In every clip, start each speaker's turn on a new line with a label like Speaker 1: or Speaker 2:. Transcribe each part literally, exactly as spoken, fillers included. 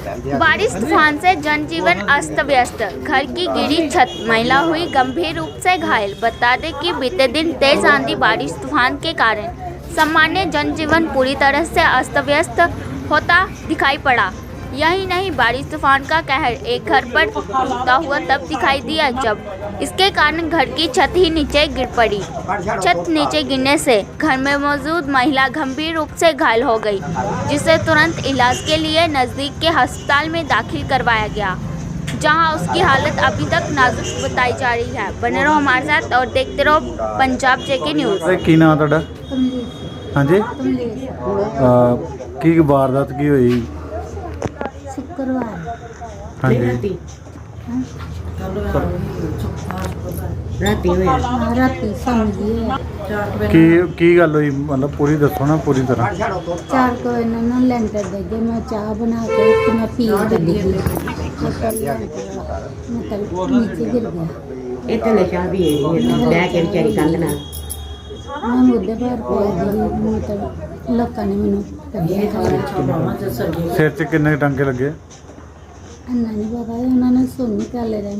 Speaker 1: बारिश तूफान से जनजीवन अस्त व्यस्त, घर की गिरी छत, महिला हुई गंभीर रूप से घायल। बता दें कि बीते दिन तेज आंधी बारिश तूफान के कारण सामान्य जनजीवन पूरी तरह से अस्त व्यस्त होता दिखाई पड़ा। यही नहीं, बारिश तूफान का कहर एक घर पर टूटता हुआ तब दिखाई दिया जब इसके कारण घर की छत ही नीचे गिर पड़ी। छत नीचे गिरने से घर में मौजूद महिला गंभीर रूप से घायल हो गई, जिसे तुरंत इलाज के लिए नज़दीक के अस्पताल में दाखिल करवाया गया, जहां उसकी हालत अभी तक नाजुक बताई जा रही है। बने रहो हमारे साथ और देखते रहो पंजाब जेके न्यूज़।
Speaker 2: की नाम तुहाडा? हाँ जी, की वारदात की हुई?
Speaker 3: शुक्रवार
Speaker 2: हाँ जी,
Speaker 3: राती होया राती समझी
Speaker 2: की की गल हुई? मतलब पूरी दसो ना, पूरी तरह।
Speaker 3: चार को इन्होंने लेंटर दे गए। मैं चाह बना के तो मैं पी गई, मतलब नीचे गिर गया।
Speaker 4: ਇਹ ਤਾਂ ਚਾਹ ਵੀ ਲੈ ਕੇ ਵਿਚਾਰੀ ਕੰਧ ਨਾਲ
Speaker 3: मैं मुद्दे पर पै गई, मतलब लोगों ने मैंने कढ़िया।
Speaker 2: सिर च किन्ने टांके लगे?
Speaker 3: अन्ना नहीं पता, उन्होंने सुन निकाले रहे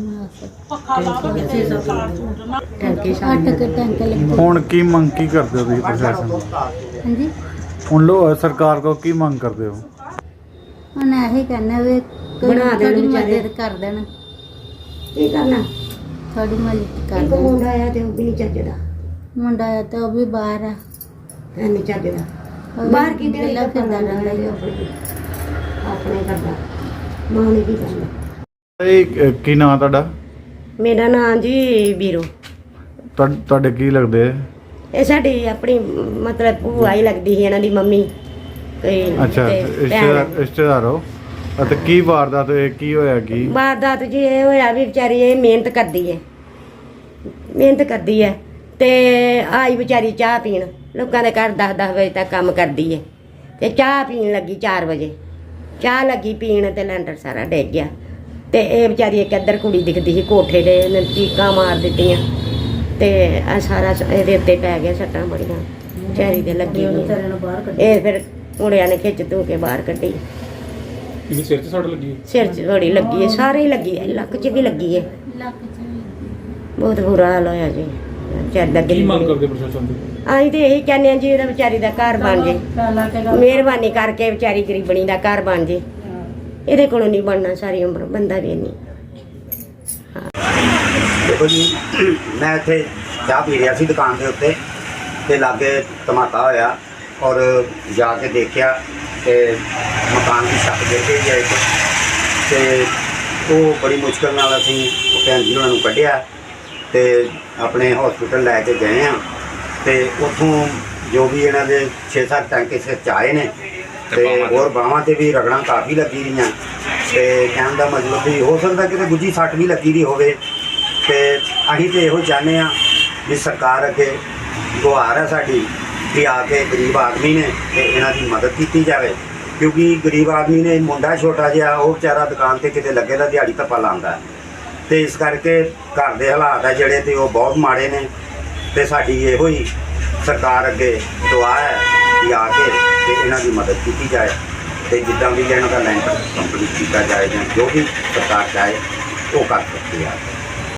Speaker 4: ਟੰਕੇ
Speaker 3: अट के टैंके लगे।
Speaker 2: ਹੁਣ ਕੀ ਮੰਗ ਕੀ ਕਰਦੇ ਹੋ ਤੁਸੀਂ ਪ੍ਰਸ਼ਾਸਨ ਤੋਂ?
Speaker 3: हाँ जी,
Speaker 2: ਹੁਣ ਲੋ ਸਰਕਾਰ ਕੋ ਕੀ ਮੰਗ ਕਰਦੇ ਹੋ?
Speaker 3: उन्हें यही कहना वे
Speaker 4: बना देन
Speaker 3: थोड़ी
Speaker 4: बेचारे।
Speaker 3: मदद कर देना,
Speaker 4: ਕੀ ਕਰਨਾ
Speaker 3: थोड़ी मदद कर
Speaker 4: ਇੱਕ
Speaker 3: देना।
Speaker 4: ਮੁੰਡਾ ਆਇਆ ਤੇ ਉਹ ਵੀ ਨਹੀਂ ਚੱਜਦਾ
Speaker 3: मुंडा है तो अभी बाहर है,
Speaker 4: ਹੈ ਨਹੀਂ ਚੱਜਦਾ
Speaker 3: अभी
Speaker 4: ਬਾਹਰ ਕੀ ਦੇ
Speaker 3: गला फिरदा रहंदा है।
Speaker 4: ਆਪਣੇ ਕਰਦਾ ਮਾਂ ਨੇ ਕੀ ਕਰਨਾ।
Speaker 2: ਇਹ ਕੀ ਨਾਮ ਤੁਹਾਡਾ?
Speaker 4: ਮੇਰਾ ਨਾਂ ਜੀ ਵੀਰੋ।
Speaker 2: ਤੁਹਾ- ਤੁਹਾਡੇ ਕੀ ਲੱਗਦੇ?
Speaker 4: ਇਹ ਸਾਡੀ ਆਪਣੀ ਮਤਲਬ ਭੂਆ ਹੀ ਲੱਗਦੀ ਸੀ, ਇਹਨਾਂ ਦੀ ਮੰਮੀ ਕੋਈ
Speaker 2: ਅੱਛਾ,
Speaker 4: ਤੇ
Speaker 2: ਰਿਸ਼ਤੇਦਾਰ
Speaker 4: ਭੈਣ।
Speaker 2: ਰਿਸ਼ਤੇਦਾਰ ਹੋ? ਅਤੇ ਕੀ ਵਾਰਦਾਤ ਹੋਈ, ਕੀ ਹੋਇਆ ਕੀ?
Speaker 4: ਵਾਰਦਾਤ ਜੀ ਇਹ ਹੋਇਆ ਵੀ ਵਿਚਾਰੀ ਇਹ ਮਿਹਨਤ ਕਰਦੀ ਹੈ ਮਿਹਨਤ ਕਰਦੀ ਹੈ ਤੇ ਆਈ ਵਿਚਾਰੀ ਚਾਹ ਪੀਣ ਲੋਕਾਂ ਦੇ ਘਰ ਦਸ ਦਸ ਵਜੇ ਤੱਕ ਕੰਮ ਕਰਦੀ ਹੈ ਤੇ ਚਾਹ ਪੀਣ ਲੱਗੀ ਚਾਰ ਵਜੇ। ਚਾਹ ਲੱਗੀ ਪੀਣ ਤੇ ਲੈਂਟਰ ਸਾਰਾ ਡਿੱਗ ਗਿਆ ਤੇ ਇਹ ਵਿਚਾਰੀ ਇੱਕ ਇੱਧਰ ਕੁੜੀ ਦਿਖਦੀ ਸੀ ਕੋਠੇ ਦੇ, ਇਹਨੇ ਚੀਕਾਂ ਮਾਰ ਦਿੱਤੀਆਂ ਤੇ ਆ ਸਾਰਾ ਸ- ਇਹਦੇ ਉੱਤੇ ਪੈ ਗਿਆ ਸੱਟਾਂ ਬੜੀਆਂ ਵਿਚਾਰੀ ਦੇ ਲੱਗੀ ਹੋਈਆਂ। ਇਹ ਫਿਰ ਮੁੰਡਿਆਂ ਨੇ ਖਿੱਚ ਧੂ ਕੇ ਬਾਹਰ ਕੱਢੀ।
Speaker 5: ਇਹਦੇ ਸਿਰ 'ਚ ਸੱਟ ਲੱਗੀ ਹੈ?
Speaker 4: ਸਿਰ 'ਚ ਥੋੜੀ ਲੱਗੀ ਹੈ, ਸਾਰੇ ਹੀ ਲੱਗੀ ਹੈ, ਲੱਕ 'ਚ ਵੀ ਲੱਗੀ ਹੈ। ਬਹੁਤ ਬੁਰਾ ਹਾਲ ਹੋਇਆ ਜੀ ਵਿਚਾਰੀ ਦਾ।
Speaker 5: ਕੀ ਮੰਗ ਕਰਦੇ ਪ੍ਰਸ਼ਾਸਨ ਤੋਂ?
Speaker 4: ਅਸੀਂ ਤੇ ਇਹੀ ਕਹਿੰਦੇ ਹਾਂ ਜੀ ਇਹਦਾ ਵਿਚਾਰੀ ਦਾ ਘਰ ਬਣ ਜੇ, ਮਿਹਰਬਾਨੀ ਕਰਕੇ ਵਿਚਾਰੀ ਗਰੀਬਣੀ ਦਾ ਘਰ ਬਣ ਜੇ। ਇਹਦੇ ਕੋਲੋਂ ਨਹੀਂ ਬਣਨਾ ਸਾਰੀ ਉਮਰ, ਬੰਦਾ ਵੀ ਨਹੀਂ।
Speaker 6: देखो जी, मैं इत्थे चाह पी रहा सी दुकान के उत्ते ते लागे धमाका होया और जाके देखिया ते मकान की छत गिर गई है एक ते वो बड़ी मुश्किल नाल असीं भैन जी उन्होंने कढ़िया ते अपने हॉस्पिटल लैके गए हाँ ते उत्थों जो भी इन्हां दे छे सत्त टैंके सिर च आए ने ते होर बाहां ते भी रगड़ां काफ़ी लगी रहीआं ते कहण दा मतलब भी हो सकदा कि गुज्जी सੱਟ भी लगी दी होवे। ਤੇ ਅਸੀਂ ਤਾਂ ਇਹੋ ਚਾਹੁੰਦੇ ਹਾਂ ਵੀ ਸਰਕਾਰ ਅੱਗੇ ਗੁਹਾਰ ਹੈ ਸਾਡੀ ਵੀ ਆ ਕੇ ਗਰੀਬ ਆਦਮੀ ਨੇ ਤੇ ਇਹਨਾਂ ਦੀ ਮਦਦ ਕੀਤੀ ਜਾਵੇ, ਕਿਉਂਕਿ ਗਰੀਬ ਆਦਮੀ ਨੇ ਮੁੰਡਾ ਛੋਟਾ ਜਿਹਾ, ਉਹ ਵਿਚਾਰਾ ਦੁਕਾਨ ਤੇ ਕਿਤੇ ਲੱਗੇ ਦਾ ਦਿਹਾੜੀ ਧੱਪਾ ਲਾਉਂਦਾ ਤੇ ਇਸ ਕਰਕੇ ਘਰ ਦੇ ਹਾਲਾਤ ਹੈ ਜਿਹੜੇ ਤੇ ਉਹ ਬਹੁਤ ਮਾੜੇ ਨੇ ਤੇ ਸਾਡੀ ਇਹੋ ਹੀ ਸਰਕਾਰ ਅੱਗੇ ਦੁਆ ਹੈ ਕਿ ਆ ਕੇ ਤੇ ਇਹਨਾਂ ਦੀ ਮਦਦ ਕੀਤੀ ਜਾਏ ਤੇ ਜਿੱਦਾਂ ਵੀ ਇਹਨਾਂ ਦਾ ਲੈਂਟਰ ਕੰਪਲੀਟ ਕੀਤਾ ਜਾਏ ਜਾਂ ਜੋ ਵੀ ਸਰਕਾਰ ਚਾਹੇ ਉਹ ਕਰ ਸਕਦੀ ਹੈ।